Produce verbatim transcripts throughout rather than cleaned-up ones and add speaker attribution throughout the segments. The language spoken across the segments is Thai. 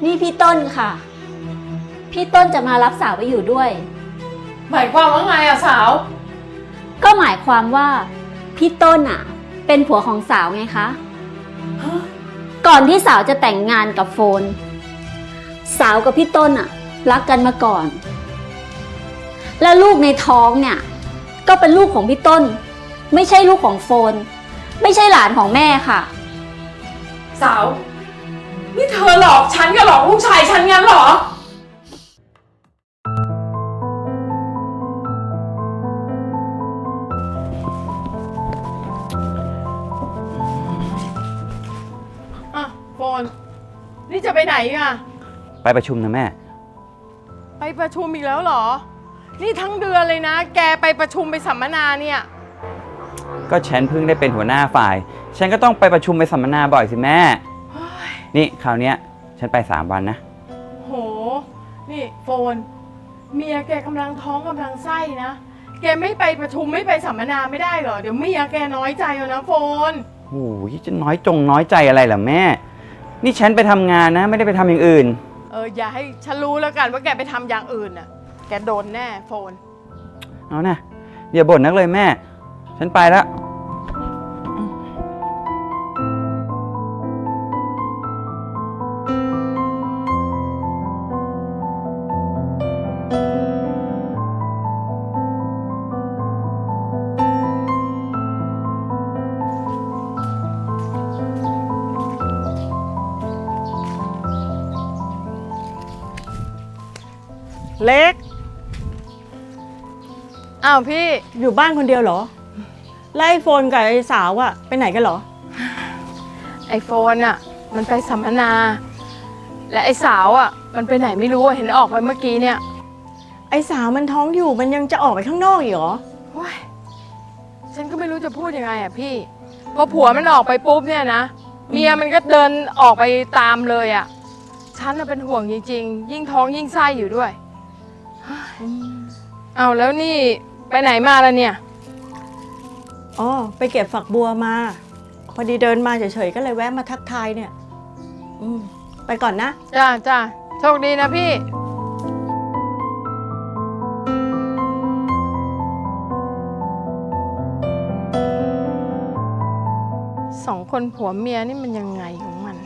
Speaker 1: นี่พี่ต้นค่ะพี่ต้นจะมารับสาวไปอยู่ด้วย
Speaker 2: หมายความว่าไงอะสาว
Speaker 1: ก็หมายความว่าพี่ต้นอะเป็นผัวของสาวไงคะก่อนที่สาวจะแต่งงานกับโฟนสาวกับพี่ต้นอะรักกันมาก่อนและลูกในท้องเนี่ยก็เป็นลูกของพี่ต้นไม่ใช่ลูกของโฟนไม่ใช่หลานของแม่ค่ะ
Speaker 2: สาวนี่เธอหลอกฉันกับหลอกลูกชายฉันงั้นเหรออ่ะโฟนนี่จะไปไหนอ่ะ
Speaker 3: ไปประชุมนะแม่
Speaker 2: ไปประชุมอีกแล้วเหรอนี่ทั้งเดือนเลยนะแกไปประชุมไปสัมมนาเนี่ย
Speaker 3: ก็ฉันเพิ่งได้เป็นหัวหน้าฝ่ายฉันก็ต้องไปประชุมไปสัมมนาบ่อยสิแม่นี่คราวนี้ฉันไปสามวันนะ
Speaker 2: โหนี่โฟนเมียแกกำลังท้องกำลังไส้นะแกไม่ไปประชุมไม่ไปสัมมนาไม่ได้เหรอเดี๋ยวเมียแกน้อยใจเอานะโฟน
Speaker 3: โอ้ยจะน้อยจงน้อยใจอะไรล่ะแม่นี่ฉันไปทำงานนะไม่ได้ไปทำอย่างอื่น
Speaker 2: เอออย่าให้ฉันรู้แล้วกันว่าแกไปทำอย่างอื่นน่ะแกโดนแน่โฟน
Speaker 3: เอานะอย่าบ่นนักเลยแม่ฉันไปแล้ว
Speaker 2: เล็กอ้าวพี่
Speaker 4: อยู่บ้านคนเดียวเหรอไล่โฟนกับไอ้สาวอะไปไหนกันเหรอ
Speaker 2: ไอโฟนอะมันไปสัมมนา และไอสาวอะมันไปไหนไม่รู้เห็นออกไปเมื่อกี้เนี่ย
Speaker 4: ไอ้สาวมันท้องอยู่มันยังจะออกไปข้างนอกอีกเหรอ
Speaker 2: ว้ายฉันก็ไม่รู้จะพูดยังไงอะพี่พอผัวมันออกไปปุ๊บเนี่ยนะเมียมันก็เดินออกไปตามเลยอะฉันน่ะเป็นห่วงจริงๆยิ่งท้องยิ่งไส้อยู่ด้วยเอาแล้วนี่ไปไหนมาแล้วเนี่ย
Speaker 4: อ๋อไปเก็บฝักบัวมาพอดีเดินมาเฉยๆก็เลยแวะมาทักทายเนี่ยอืมไปก่อนนะ
Speaker 2: จ้าจ้าโชคดีนะพี่สองคนผัวเมียนี่มันยังไงของมัน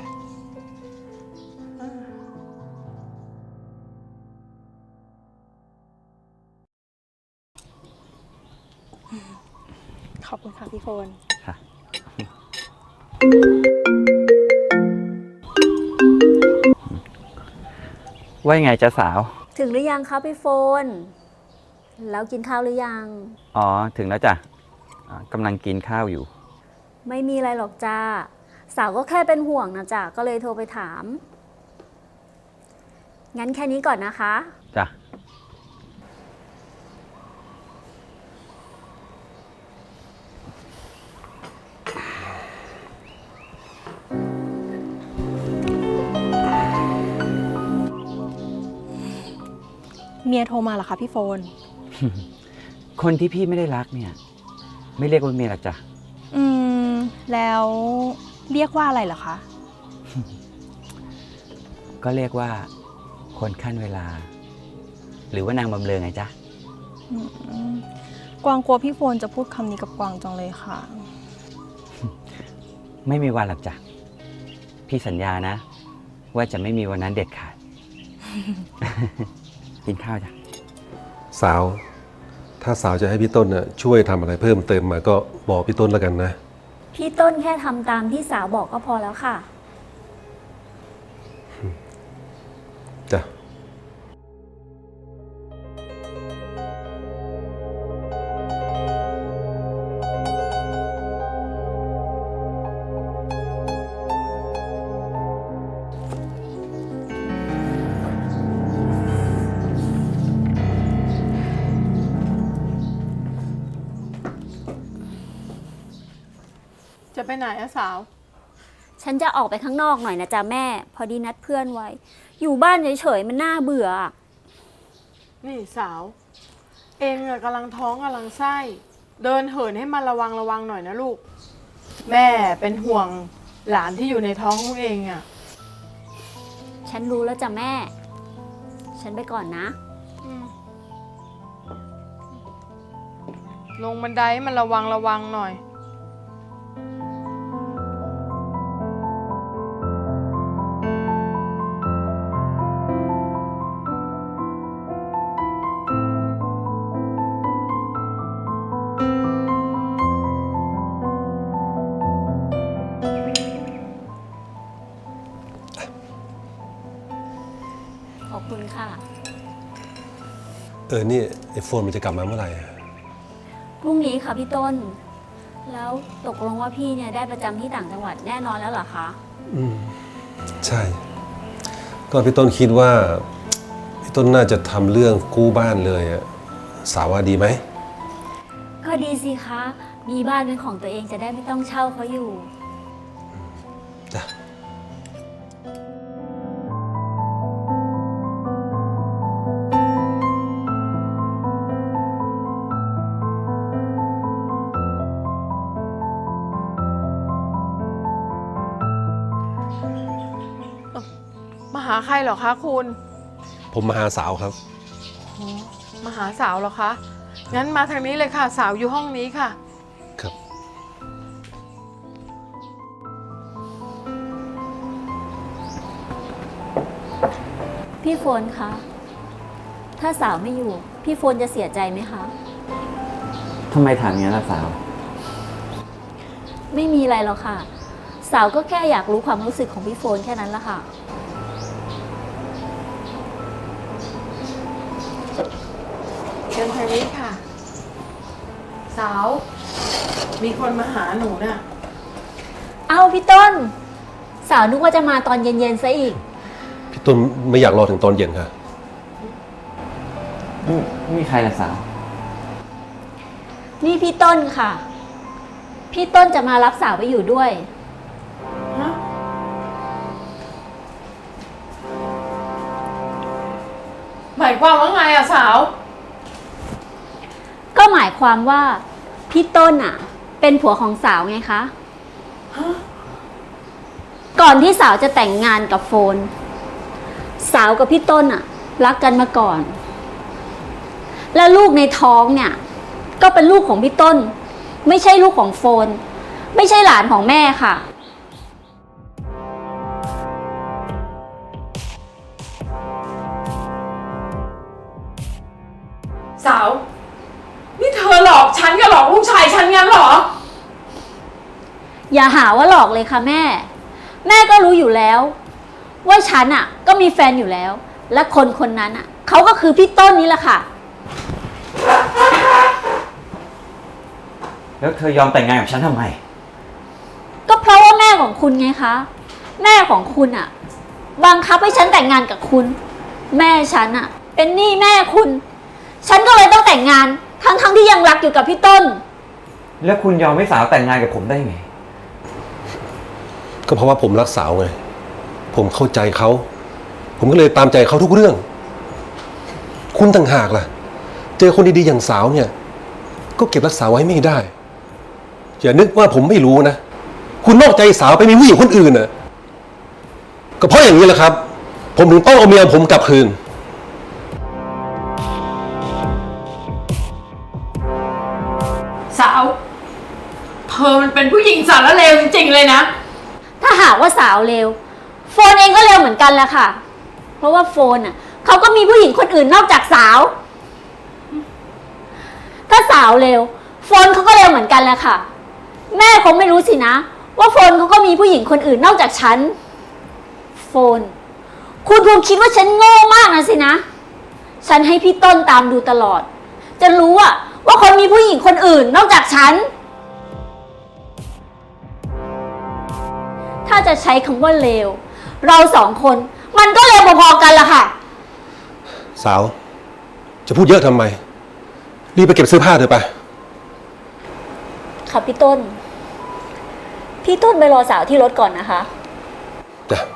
Speaker 4: ขอบคุณค่ะพี่โฟนค่ะ
Speaker 3: ว่าไงจ๊ะสาว
Speaker 1: ถึงหรือยังคะพี่โฟนแล้วกินข้าวหรือยัง
Speaker 3: อ๋อถึงแล้วจ้ะกำลังกินข้าวอยู่
Speaker 1: ไม่มีอะไรหรอกจ้าสาวก็แค่เป็นห่วงนะจ้ะก็เลยโทรไปถามงั้นแค่นี้ก่อนนะคะ
Speaker 3: จ้ะ
Speaker 5: เมียโทรมาเหรอคะพี่โฟน
Speaker 3: คนที่พี่ไม่ได้รักเนี่ยไม่เรียกว่าเมียหรอกจ้ะ
Speaker 5: อืมแล้วเรียกว่าอะไรเหรอคะ
Speaker 3: ก็เรียกว่าคนขั้นเวลาหรือว่านางบำเรอไงจ๊ะ
Speaker 5: กวางกลัวพี่โฟนจะพูดคำนี้กับกวางจังเลยค่ะ
Speaker 3: ไม่มีวันหรอกจ้ะพี่สัญญานะว่าจะไม่มีวันนั้นเด็ดขาด กินข้าวจ้ะ
Speaker 6: สาวถ้าสาวจะให้พี่ต้นน่ะช่วยทำอะไรเพิ่มเติมมาก็บอกพี่ต้นแล้วกันนะ
Speaker 1: พี่ต้นแค่ทำตามที่สาวบอกก็พอแล้วค่ะ
Speaker 6: จ้ะ
Speaker 2: จะไปไหนอะสาว
Speaker 1: ฉันจะออกไปข้างนอกหน่อยนะจ๊ะแม่พอดีนัดเพื่อนไว้อยู่บ้านเฉยๆมันน่าเบื่อ
Speaker 2: นี่สาวเองอะกำลังท้องกำลังไส้เดินเหินให้มันระวังระวังหน่อยนะลูกแม่เป็นห่วงหลานที่อยู่ในท้องของเองอะ
Speaker 1: ฉันรู้แล้วจ้ะแม่ ฉันไปก่อนนะ
Speaker 2: อืมลงบันไดให้มันระวังระวังหน่อย
Speaker 1: ขอบคุณค่ะ
Speaker 6: เออนี่ไอโฟนมันจะกลับมาเมื่อไหร่อะ
Speaker 1: พรุ่งนี้ค่ะพี่ต้น แล้วตกลงว่าพี่เนี่ยได้ประจำที่ต่างจังหวัดแน่นอนแล้วเหรอคะ
Speaker 6: อืมใช่ ก็พี่ต้นคิดว่าพี่ต้นน่าจะทำเรื่องกู้บ้านเลยอะสาวว่าดีไหม
Speaker 1: ก็ดีสิคะ มีบ้านเป็นของตัวเองจะได้ไม่ต้องเช่าเขาอยู่
Speaker 6: จ้ะ
Speaker 2: มาหาใครเหรอคะคุณ
Speaker 6: ผมมาหาสาวครับ
Speaker 2: มาหาสาวเหรอคะ งั้นมาทางนี้เลยค่ะ สาวอยู่ห้องนี้ค่ะ
Speaker 6: ครับ
Speaker 1: พี่โฟนคะ ถ้าสาวไม่อยู่ พี่โฟนจะเสียใจไหมคะ
Speaker 3: ทำไมถามอย่างนั้นล่ะสาว
Speaker 1: ไม่มีอะไรหรอกค่ะ สาวก็แค่อยากรู้ความรู้สึกของพี่โฟนแค่นั้นละค่ะ
Speaker 2: เชิญทางนี้ค่ะ สาว มีคนมาหาหนูน่ะ
Speaker 1: เอ้าพี่ต้น สาวนึกว่าจะมาตอนเย็นๆซะอีก
Speaker 6: พี่ต้นไม่อยากรอถึงตอนเย็นค่ะ
Speaker 3: ไม่มีใครล่ะสาว
Speaker 1: นี่พี่ต้นค่ะ พี่ต้นจะมารับสาวไปอยู่ด้วย
Speaker 2: ฮะ หมายความว่าไงอะสาว
Speaker 1: ก็หมายความว่าพี่ต้นอ่ะ เป็นผัวของสาวไงคะ ก่อนที่สาวจะแต่งงานกับโฟน สาวกับพี่ต้นอ่ะ รักกันมาก่อน แล้วลูกในท้องเนี่ย ก็เป็นลูกของพี่ต้น ไม่ใช่ลูกของโฟน ไม่ใช่หลานของแม่ค่ะ
Speaker 2: สาว นี่เธอหลอกฉันกับหลอกลูกชายฉันงั้นเหรอ
Speaker 1: อย่าหาว่าหลอกเลยค่ะแม่ แม่ก็รู้อยู่แล้ว ว่าฉันอ่ะ ก็มีแฟนอยู่แล้ว และคนคนนั้นอ่ะเขาก็คือพี่ต้นนี่แหละค่ะ
Speaker 3: แล้วเธอยอมแต่งงานกับฉันทำไม
Speaker 1: ก็เพราะว่าแม่ของคุณไงคะ แม่ของคุณอ่ะ บังคับให้ฉันแต่งงานกับคุณ แม่ฉันอ่ะ เป็นหนี้แม่คุณ ฉันก็เลยต้องแต่งงาน ทั้งๆทที่ยังรักอยู่กับพี่ต้น
Speaker 3: แล้วคุณยอมให้สาวแต่งงานกับผมได้ไง
Speaker 6: ก็เพราะว่าผมรักสาวไง ผมเข้าใจเขา ผมก็เลยตามใจเขาทุกเรื่อง คุณต่างหากล่ะ เจอคนดีๆอย่างสาวเนี่ย ก็เก็บรักษาไว้ไม่ได้ อย่านึกว่าผมไม่รู้นะ คุณนอกใจสาวไปมีผู้หญิงคนอื่นน่ะ ก็เพราะอย่างนี้แหละครับ ผมถึงต้องเอาเมียผมกลับคืน
Speaker 2: สาว เธอมันเป็นผู้หญิงสารเลวจริงๆเลยนะ
Speaker 1: ถ้าหากว่าสาวเลวโฟนเองก็เลวเหมือนกันแหละค่ะ เพราะว่าโฟนอ่ะเขาก็มีผู้หญิงคนอื่นนอกจากสาว ถ้าสาวเลวโฟนเขาก็เลวเหมือนกันแหละค่ะ แม่คงไม่รู้สินะ ว่าโฟนเขาก็มีผู้หญิงคนอื่นนอกจากฉัน โฟน คุณคงคิดว่าฉันโง่มากนะสินะ ฉันให้พี่ต้นตามดูตลอด จะรู้อะว่าคนมีผู้หญิงคนอื่นนอกจากฉัน ถ้าจะใช้คำว่าเลว เราสองคน มันก็เลวพอๆกันละค่ะ
Speaker 6: สาว จะพูดเยอะทำไม รีบไปเก็บเสื้อผ้าเถอะไป
Speaker 1: ค่ะพี่ต้น พี่ต้นไปรอสาวที่รถก่อนนะคะ
Speaker 6: จ้ะ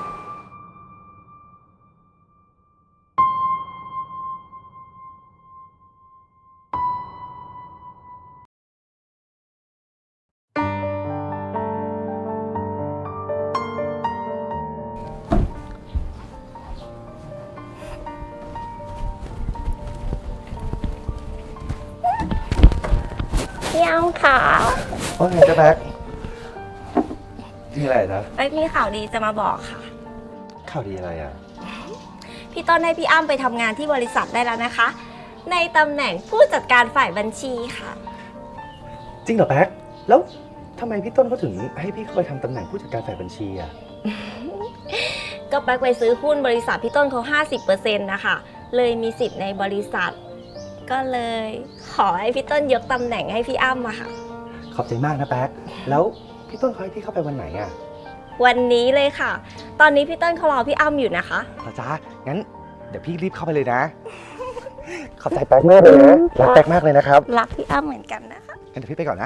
Speaker 7: พี่อ้ำค่ะ
Speaker 8: ว่าไงจ๊ะแบ็คมีอะไรจ๊ะ
Speaker 7: เอ้ยมีข่าวดีจะมาบอกค่ะ
Speaker 8: ข่าวดีอะไรอ่ะ
Speaker 7: พี่ต้นให้พี่อ้ำไปทำงานที่บริษัทได้แล้วนะคะ ในตำแหน่งผู้จัดการฝ่ายบัญชีค่ะ
Speaker 8: จริงเหรอแบ็คแล้วทำไมพี่ต้นเขาถึงให้พี่เข้าไปทำตำแหน่งผู้จัดการฝ่ายบัญชีอ่ะ
Speaker 7: ก็แป๊กไปซื้อหุ้นบริษัทพี่ต้นเขา ห้าสิบเปอร์เซ็นต์ นะคะ เลยมีสิทธิ์ในบริษัท ก็เลยขอให้พี่ต้นยกตำแหน่งให้พี่อ้ำมาค่ะ
Speaker 8: ขอบใจมากนะแบ็คแล้วพี่ต้นเขาให้พี่เข้าไปวันไหนอ่ะ
Speaker 7: วันนี้เลยค่ะ ตอนนี้พี่ต้นเขารอพี่อ้ำอยู่นะคะ
Speaker 8: เหรอจ๊ะงั้นเดี๋ยวพี่รีบเข้าไปเลยนะ ขอบใจแบ็คมากเลยนะรักแบ็คมากเลยนะครับ
Speaker 7: รักพี่อ้ำเหมือนกันนะคะ
Speaker 8: งั้นเดี๋ยวพี่ไปก่อนนะ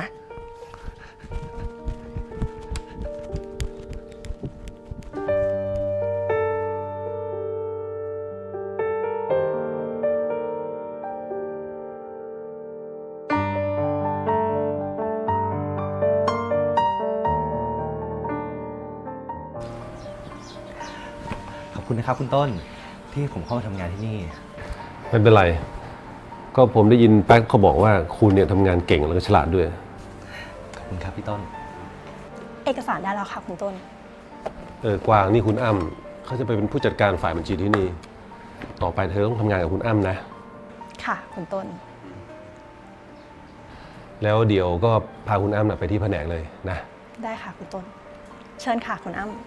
Speaker 8: ขอบคุณนะครับคุณต้นที่ผมเข้ามาทำงานที่นี่
Speaker 6: ไม่เป็นไร ก็ผมได้ยินแป๊กเขาบอกว่าคุณเนี่ยทำงานเก่งแล้วก็ฉลาดด้วย
Speaker 8: ขอบคุณครับพี่ต้น
Speaker 5: เอกสารได้แล้วค่ะคุณต้น
Speaker 6: เออกวางนี่คุณอ้ำเขาจะไปเป็นผู้จัดการฝ่ายบัญชีที่นี่ ต่อไปเธอต้องทำงานกับคุณอ้ำนะ
Speaker 5: ค่ะคุณต้น
Speaker 6: แล้วเดี๋ยวก็พาคุณอ้ำน่ะไปที่แผนกเลยนะ
Speaker 5: ได้ค่ะคุณต้น เชิญค่ะคุณอ้ำ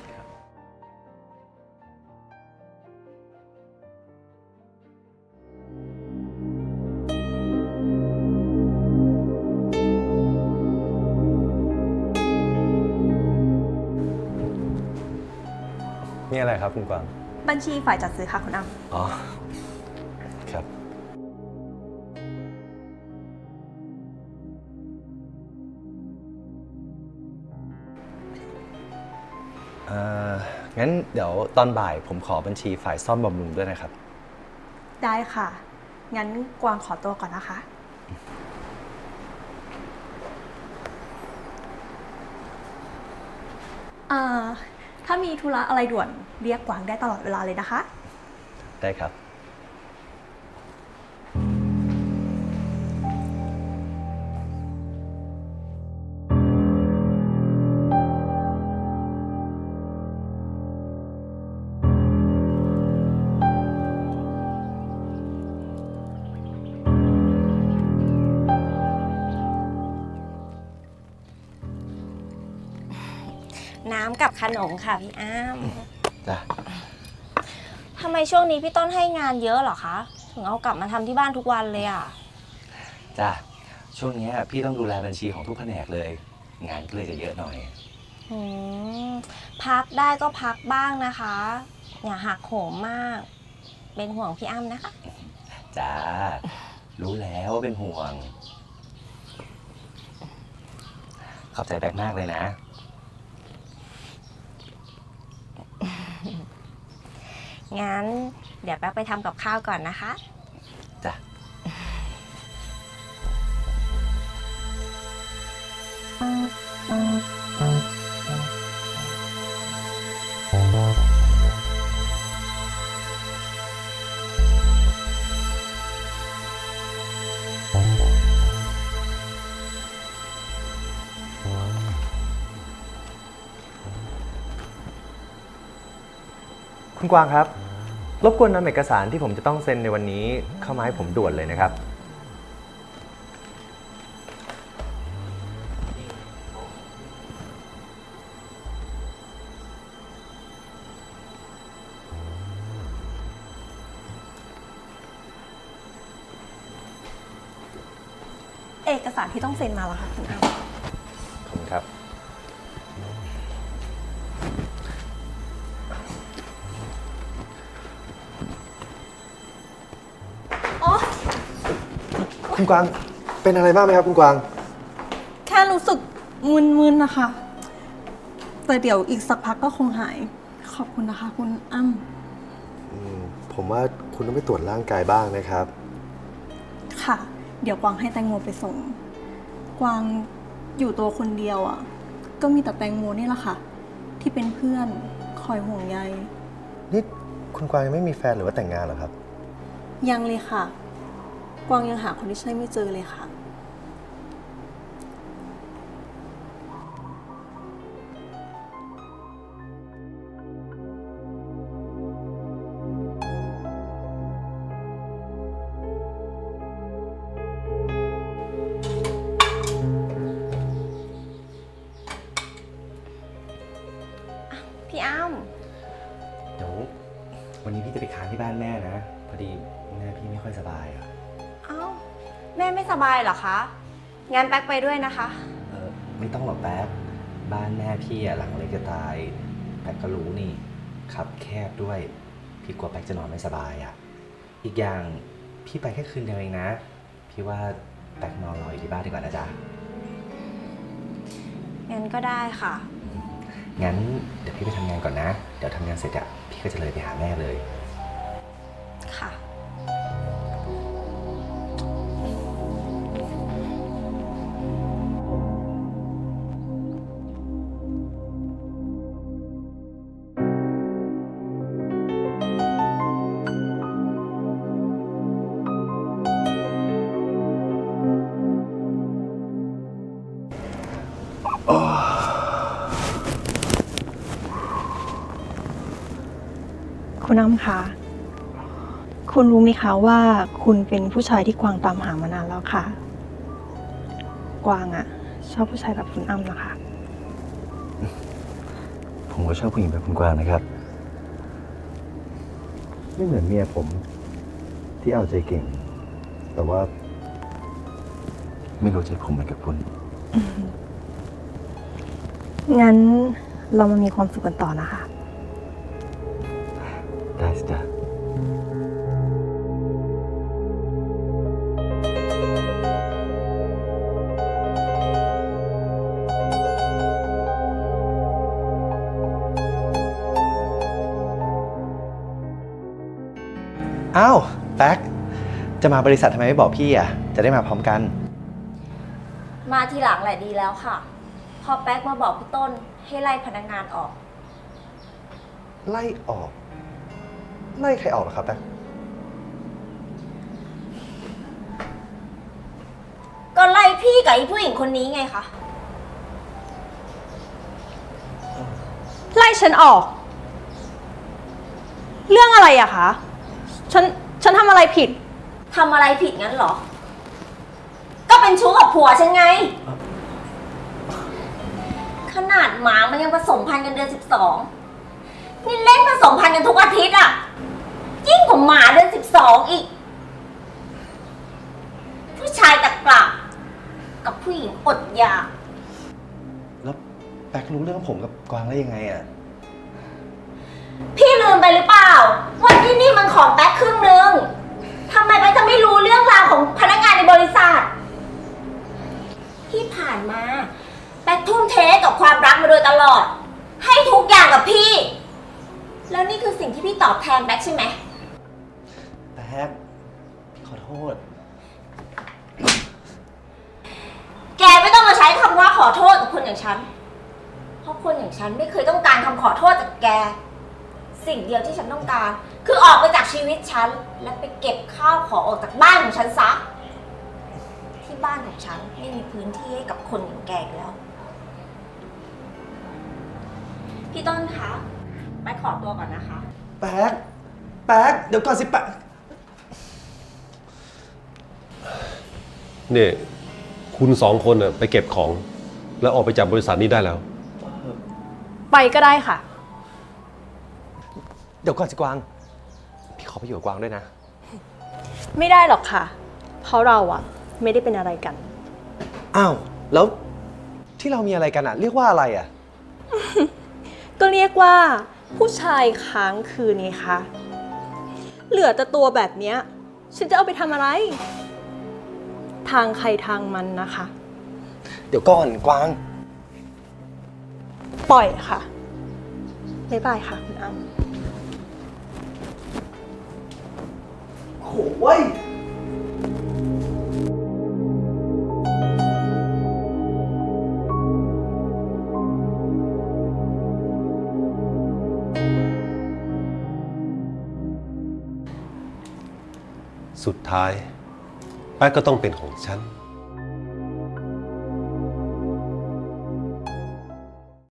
Speaker 8: นี่อะไรครับคุณกวาง
Speaker 5: บัญชีฝ่ายจัดซื้อค่ะคุณอ้ำ
Speaker 8: อ๋อ ครับ เอ่อ งั้นเดี๋ยวตอนบ่ายผมขอบัญชีฝ่ายซ่อมบำรุงด้วยนะครับ
Speaker 5: ได้ค่ะ งั้นกวางขอตัวก่อนนะคะ อ่า ถ้ามีธุระอะไรด่วนเรียกกวางได้ตลอดเวลาเลยนะคะ
Speaker 8: ได้ครับ
Speaker 7: น้ำกับขนมค่ะพี่อ้ำ
Speaker 8: จ้ะ
Speaker 7: ทำไมช่วงนี้พี่ต้นให้งานเยอะเหรอคะ ถึงเอากลับมาทำที่บ้านทุกวันเลยอ่ะ
Speaker 8: จ้ะ ช่วงนี้พี่ต้องดูแลบัญชีของทุกแผนกเลย งานก็เลยจะเยอะหน่อย
Speaker 7: อืมพักได้ก็พักบ้างนะคะ อย่าหักโหมมาก เป็นห่วงพี่อ้ำนะคะ
Speaker 8: จ้า รู้แล้วว่าเป็นห่วง ขอบใจแบกมากเลยนะ
Speaker 7: งั้นเดี๋ยวแป๊บไปทำกับข้าวก่อนนะคะ
Speaker 8: จ้ะ
Speaker 9: คุณกวางครับ รบกวนนำเอกสารที่ผมจะต้องเซ็นในวันนี้เข้ามาให้ผมด่วนเลยนะครับ
Speaker 5: เอกสารที่ต้องเซ็นมาแล้วค่ะคุณอ้ำ
Speaker 9: ขอบคุณครับ คุณกวางเป็นอะไรบ้างไหมครับคุณกวาง
Speaker 5: แค่รู้สึกมึนๆนะคะ แต่เดี๋ยวอีกสักพักก็คงหาย ขอบคุณนะคะ คุณอ้ำ
Speaker 9: ผมว่าคุณต้องไปตรวจร่างกายบ้างนะครับ
Speaker 5: ค่ะ เดี๋ยวกวางให้แตงโมไปส่ง กวางอยู่ตัวคนเดียวอ่ะ ก็มีแต่แตงโมนี่แหละค่ะ ที่เป็นเพื่อนคอยห่วงใย
Speaker 9: นี่คุณกวางยังไม่มีแฟนหรือว่าแต่งงานเหรอครับ
Speaker 5: ยังเลยค่ะ กวางยังหาคนที่ใช่ไม่เจอเลยค่ะ
Speaker 9: วันนี้พี่จะไปค้างที่บ้านแม่นะ พอดีแม่พี่ไม่ค่อยสบายอะ
Speaker 7: เอ้า แม่ไม่สบายเหรอคะ งั้นแป๊กไปด้วยนะคะ
Speaker 9: เออไม่ต้องหรอกแป๊กบ้านแม่พี่อะหลังเล็กจะตายแป๊กก็รู้นี่ขับแคบด้วย พี่กลัวแป๊กจะนอนไม่สบายอะอีกอย่างพี่ไปแค่คืนเดียวเองนะ พี่ว่าแป๊กนอนรออยู่ที่บ้านดีกว่านะจ๊ะ
Speaker 7: งั้นก็ได้ค่ะ
Speaker 9: งั้นเดี๋ยวพี่ไปทำงานก่อนนะ เดี๋ยวทำงานเสร็จอะพี่ก็จะเลยไปหาแม่เลย
Speaker 7: ค่ะ
Speaker 5: คุณอ้ำคะ คุณรู้ไหมคะว่าคุณเป็นผู้ชายที่กวางตามหามานานแล้วค่ะ กวางอะชอบผู้ชายแบบคุณอ้ำนะคะ
Speaker 9: ผมก็ชอบผู้หญิงแบบคุณกวางนะครับ ไม่เหมือนเมียผมที่เอาใจเก่ง แต่ว่า ไม่รู้ใจผมเหมือนกับคุณ
Speaker 5: งั้นเรามามีความสุขกันต่อนะคะ
Speaker 9: ได้สิจ๊ะ อ้าวแป๊กจะมาบริษัททำไมไม่บอกพี่อ่ะ จะได้มาพร้อมกัน
Speaker 7: มาทีหลังแหละดีแล้วค่ะ พอแป๊กมาบอกพี่ต้นให้ไล่พนักงานออก
Speaker 9: ไล่ออก ไล่ใครออกเหรอครับแป๊ก
Speaker 7: ก็ไล่พี่กับไอ้ผู้หญิงคนนี้ไงคะ
Speaker 5: ไล่ฉันออก เรื่องอะไรอะคะ ฉัน ฉันทำอะไรผิด
Speaker 7: ทำอะไรผิดงั้นเหรอ ก็เป็นชู้กับผัวฉันไง ขนาดหมามันยังผสมพันธุ์กันเดือนสิบสอง นี่เล่นผสมพันธุ์กันทุกอาทิตย์อ่ะ ยิ่งกว่าหมาเดือนสิบสองอีก ผู้ชายตะกละกับผู้หญิงอดอยาก
Speaker 9: แล้วแป๊กรู้เรื่องผมกับกวางได้ยังไงอ่ะ
Speaker 7: พี่ลืมไปหรือเปล่าว่าที่นี่มันของแป๊กครึ่งหนึ่งทำไมแป๊กจะไม่รู้เรื่องราวของพนักงานในบริษัท ที่ผ่านมาแป๊กทุ่มเทกับความรักมาโดยตลอด ให้ทุกอย่างกับพี่ แล้วนี่คือสิ่งที่พี่ตอบแทนแป๊กใช่ไหม
Speaker 9: แป๊กพี่ขอโทษ
Speaker 7: แกไม่ต้องมาใช้คำว่าขอโทษกับคนอย่างฉัน เพราะคนอย่างฉันไม่เคยต้องการคำขอโทษจากแก สิ่งเดียวที่ฉันต้องการ คือออกไปจากชีวิตฉัน และไปเก็บข้าวของออกจากบ้านของฉันซะ ที่บ้านของฉันไม่มีพื้นที่ให้กับคนอย่างแกอีกแล้ว พี่ต้นคะไปขอตัวก่อนนะคะ
Speaker 9: แป๊ก แป๊ก เดี๋ยวก่อนสิแป๊ก
Speaker 6: นี่คุณสองคนน่ะไปเก็บของ แล้วออกไปจากบริษัทนี้ได้แล้ว
Speaker 5: ไปก็ได้ค่ะ
Speaker 9: เดี๋ยวก่อนสิกวาง พี่ขอไปอยู่กับกวางด้วยนะ
Speaker 5: ไม่ได้หรอกค่ะ เพราะเราอะไม่ได้เป็นอะไรกัน
Speaker 9: อ้าว แล้วที่เรามีอะไรกันอ่ะ เรียกว่าอะไรอ่ะ
Speaker 5: ก็เรียกว่าผู้ชายค้างคืนไงคะ เหลือแต่ตัวแบบเนี้ย ฉันจะเอาไปทำอะไร ทางใครทางมันนะคะ
Speaker 9: เดี๋ยวก่อนกวาง
Speaker 5: ปล่อยค่ะ บ๊ายบายค่ะคุณอ้ำ
Speaker 9: โอ้ย
Speaker 6: สุดท้ายแป๊กก็ต้องเป็นของฉัน